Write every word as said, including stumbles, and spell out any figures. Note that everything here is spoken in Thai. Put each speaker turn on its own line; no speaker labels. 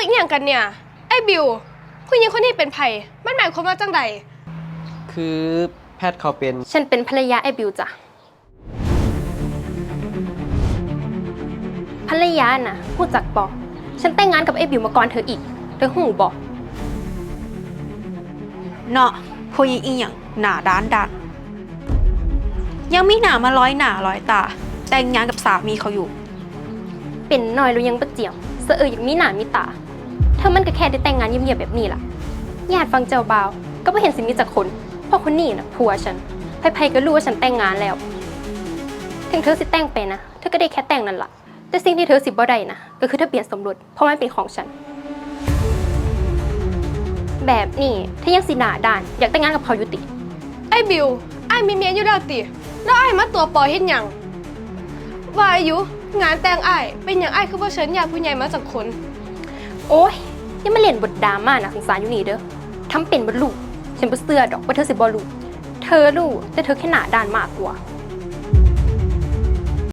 อีกอย่างกันเนี่ยไอ้บิวผู้หญิงคนนี้เป็นไผ่มันหมายความว่าจังใด
คือแพทย์เขาเป็น
ฉันเป็นภรรยาไอ้บิวจ้ะภรรยาน่ะพูดจักบอกฉันแต่งงานกับไอ้บิวมาก่อนเธออีกเธอหูบอก
เนาะผู้หญิงอีหยังหน้าด้านดันยังมีหน้ามาร้อยหน้าร้อยตาแต่งงานกับสามีเขาอยู่
เป็นน้อยรู้ยังปะเจียมเสอเอออย่างมีหน้ามีตาเธอมันก็แค่ได้แต่งงานเงียบๆแบบนี้ล่ะญาติฟังเจ้าบ่าวก็ไม่เห็นสิมีจักคนเพราะคนนี้น่ะผัวฉันไผๆก็รู้ว่าฉันแต่งงานแล้วถึงเธอสิแต่งไปนะเธอก็ได้แค่แต่งนั่นล่ะแต่สิ่งที่เธอสิบ่ได้นะก็คือทะเบียนสมรสเพราะมันเป็นของฉันแบบนี้ถ้ายังสิหน้าด้านอยากแต่งงานกับเขาอยู่ติ
ไอ้บิวไอ้มีเมียอยู่แล้วติแล้วไอ้มาตัวปอเฮ็ดหยังว่าอายุงานแต่งไอ้เป็นอย่างไอ้คือว่าฉันอยากผู้ใหญ่มาจากคน
โอ๊ยยังมาเล่นบทดราม่าน่ะสงสารอยู่นี่เด้อทำเป็นบ่รู้ฉันบ่เชื่อดอกว่าเธอสิบ่รู้เธอรู้แต่เธอแค่หน้าด้านมากกว่า